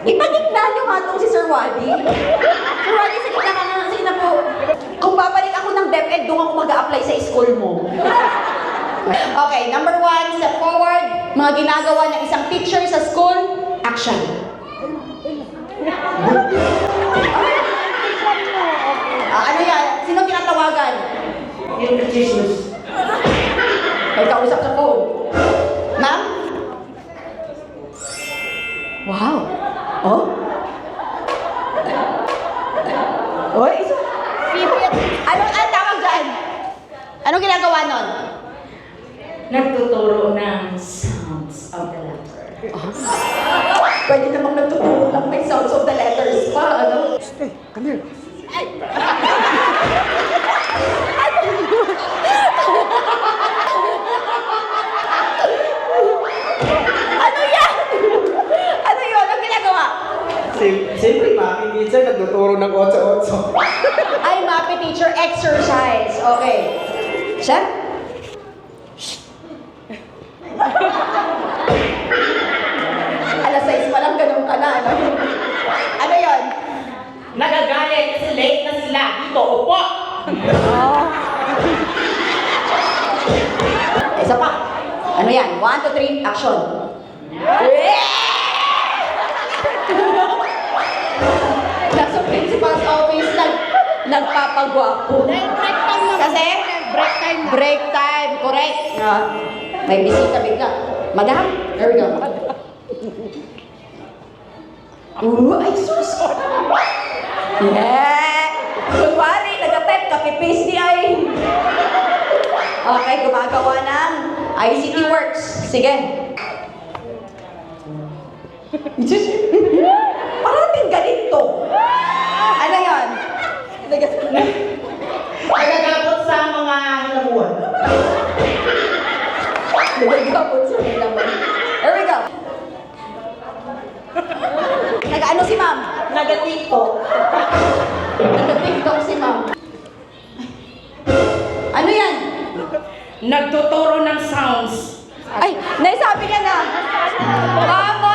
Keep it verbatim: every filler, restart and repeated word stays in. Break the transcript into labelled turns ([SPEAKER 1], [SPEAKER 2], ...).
[SPEAKER 1] Ipagignan nyo nga itong si Sir Wadi. Sir Wadi, sige na ka nga. Sige na po. Kung babalik ako ng DepEd, doon ako mag-a-apply sa school mo. Okay, number one, step forward. Mga ginagawa ng isang teacher sa school, action. Ah, ano yan? Sino tinatawagan?
[SPEAKER 2] Yung Jesus.
[SPEAKER 1] May kausap sa phone. Ma'am? Wow. Oh? Oy, isa. Ano ang tawag dyan? Anong ginagawa nun?
[SPEAKER 2] Nagtuturo ng sounds of the letter.
[SPEAKER 1] Pwede namang nagtuturo lang may sounds of the letters pa, ano?
[SPEAKER 3] Hey, come here.
[SPEAKER 1] Ano yan? Ano yun? Anong ginagawa?
[SPEAKER 3] Siyempre, mami, minsan nagtuturo ng otso-otso.
[SPEAKER 1] Ay, MAPE teacher exercise. Okay. Chef? Alas sais pa lang, ganun ka na, ano? Ano yun?
[SPEAKER 2] Nagagalit kasi late na sila. Dito, upo!
[SPEAKER 1] Isa pa. Ano yan? One, two, three, action. Nasa principal's office, nag, nagpapagwapo.
[SPEAKER 4] Break time na.
[SPEAKER 1] Kasi?
[SPEAKER 4] Break time na.
[SPEAKER 1] Break time, correct. Ah, may bisita bigla. Madam, there we go. Ooh, ay sus! Yeah! Kunwari, nag-attempt, copy-paste di ay. Okay, gumagawa ng I C T Works. Sige. Parating ganito. Ano yan?
[SPEAKER 2] Nagagabot sa mga hilamuan.
[SPEAKER 1] Nagagabot sa nilaman. There we go. Nag-ano si ma'am?
[SPEAKER 2] Nagatiko.
[SPEAKER 1] Nag-tiktok si ma'am. Ano yan?
[SPEAKER 2] Nagtuturo ng sounds.
[SPEAKER 1] Ay, naisabi niya na. Vamos!